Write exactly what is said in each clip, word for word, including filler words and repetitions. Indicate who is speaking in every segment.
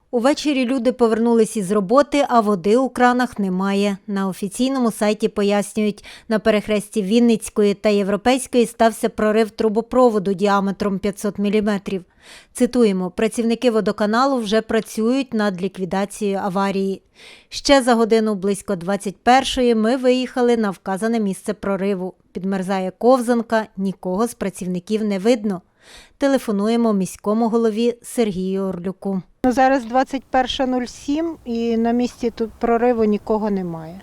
Speaker 1: Увечері люди повернулись із роботи, а води у кранах немає. На офіційному сайті пояснюють, на перехресті Вінницької та Європейської стався прорив трубопроводу діаметром п'ятсот міліметрів. Цитуємо, працівники водоканалу вже працюють над ліквідацією аварії. Ще за годину близько двадцять першої ми виїхали на вказане місце прориву. Підмерзає ковзанка, нікого з працівників не видно. Телефонуємо міському голові Сергію Орлюку.
Speaker 2: Зараз двадцять перша нуль сім і на місці тут прориву нікого немає.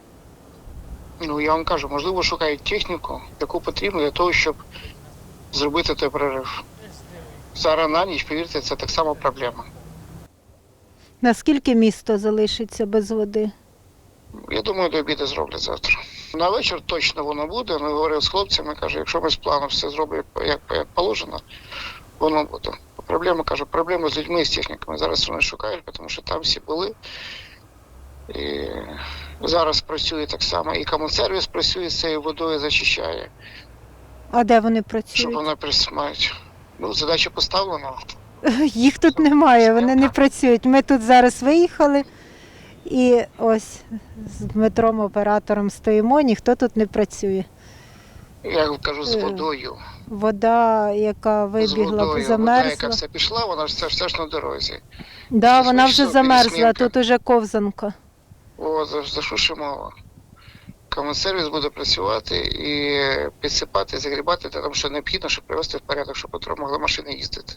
Speaker 3: Ну, я вам кажу, можливо, шукають техніку, яку потрібно для того, щоб зробити той прорив. Зараз на ніч, повірте, це так само проблема.
Speaker 2: Наскільки місто залишиться без води?
Speaker 3: Я думаю, до обіду зроблять завтра. На вечір точно воно буде. Ми говорили з хлопцями, кажу, якщо ми з планом все зробимо як, як положено, воно буде. Проблема, кажу, проблема з людьми і з техніками. Зараз вони шукають, тому що там всі були. І зараз працює так само. І комунсервіс працює з цією водою, зачищає.
Speaker 2: А де вони працюють?
Speaker 3: Щоб вона присмають. Ну, задача поставлена.
Speaker 2: Їх тут немає, вони не працюють. Ми тут зараз виїхали і ось з Дмитром, оператором, стоїмо, ніхто тут не працює.
Speaker 3: Я кажу, з водою.
Speaker 2: Вода, яка
Speaker 3: З
Speaker 2: вибігла,
Speaker 3: водою.
Speaker 2: замерзла.
Speaker 3: Вода, яка все пішла, вона ж все, все ж на дорозі.
Speaker 2: Да,
Speaker 3: Це
Speaker 2: вона вже
Speaker 3: смішно,
Speaker 2: замерзла,
Speaker 3: пересмінка.
Speaker 2: тут уже ковзанка.
Speaker 3: О, за, за що ще мова? Комунсервіс буде працювати і підсипати, загрібати, тому що необхідно, щоб привести в порядок, щоб потім могли машини їздити.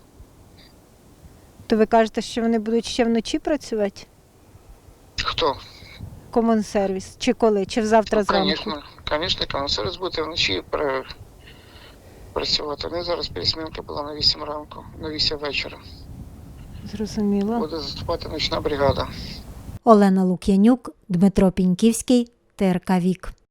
Speaker 2: То ви кажете, що вони будуть ще вночі працювати?
Speaker 3: Хто?
Speaker 2: Комунсервіс. Чи коли? Чи завтра зранку?
Speaker 3: Звісно, звісно, комунсервіс буде вночі пр- працювати. У них зараз пересмінка була на вісім ранку, на вісім вечора.
Speaker 2: Зрозуміло.
Speaker 3: Буде заступати нічна бригада.
Speaker 1: Олена Лук'янюк, Дмитро Піньківський, Т Р К Вік.